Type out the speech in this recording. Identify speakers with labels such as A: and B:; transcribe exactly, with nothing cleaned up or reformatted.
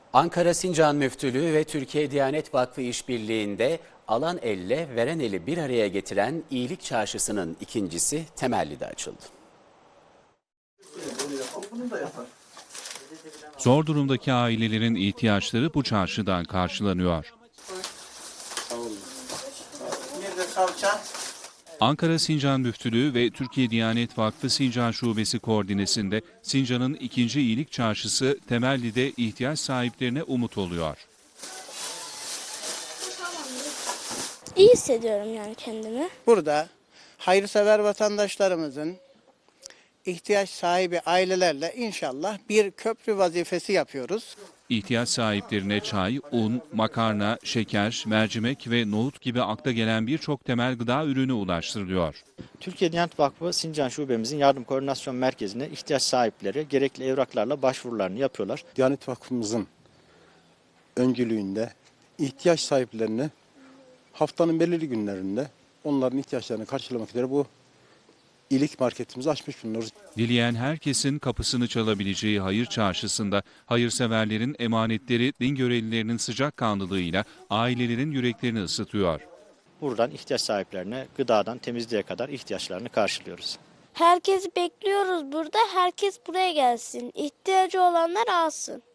A: Ankara Sincan Müftülüğü ve Türkiye Diyanet Vakfı işbirliğinde alan elle veren eli bir araya getiren iyilik çarşısının ikincisi Temelli'de açıldı.
B: Zor durumdaki ailelerin ihtiyaçları bu çarşıdan karşılanıyor. Ankara Sincan Müftülüğü ve Türkiye Diyanet Vakfı Sincan Şubesi koordinesinde Sincan'ın ikinci iyilik çarşısı Temelli'de ihtiyaç sahiplerine umut oluyor.
C: İyi hissediyorum yani kendimi.
D: Burada hayırsever vatandaşlarımızın ihtiyaç sahibi ailelerle inşallah bir köprü vazifesi yapıyoruz.
B: İhtiyaç sahiplerine çay, un, makarna, şeker, mercimek ve nohut gibi akla gelen birçok temel gıda ürünü ulaştırılıyor.
E: Türkiye Diyanet Vakfı Sincan Şubemizin yardım koordinasyon merkezine ihtiyaç sahipleri gerekli evraklarla başvurularını yapıyorlar.
F: Diyanet Vakfımızın öncülüğünde ihtiyaç sahiplerini haftanın belirli günlerinde onların ihtiyaçlarını karşılamak üzere bu iyilik marketimizi açmış bulunuyoruz.
B: Dileyen herkesin kapısını çalabileceği hayır çarşısında hayırseverlerin emanetleri din görevlilerinin sıcakkanlılığıyla ailelerin yüreklerini ısıtıyor.
E: Buradan ihtiyaç sahiplerine gıdadan temizliğe kadar ihtiyaçlarını karşılıyoruz.
C: Herkesi bekliyoruz burada. Herkes buraya gelsin. İhtiyacı olanlar alsın.